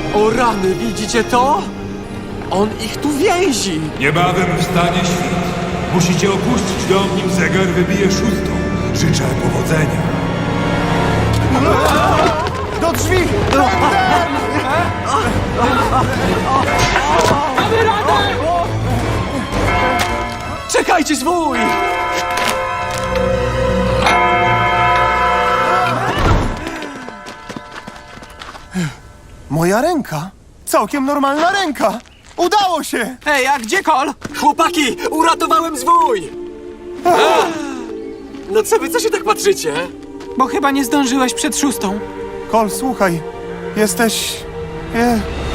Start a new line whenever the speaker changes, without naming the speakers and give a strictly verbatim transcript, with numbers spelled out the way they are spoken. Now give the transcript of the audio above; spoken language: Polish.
O rany, widzicie to? On ich tu więzi!
Niebawem wstanie świt. Musicie opuścić dom, nim zegar wybije szóstą. Życzę powodzenia.
Do drzwi!
Czekajcie, zwój!
Moja ręka! Całkiem normalna ręka! Udało się!
Ej, a gdzie Kol? Chłopaki, uratowałem zwój! No co wy, co się tak patrzycie?
Bo chyba nie zdążyłeś przed szóstą.
Kol, słuchaj. Jesteś... Je,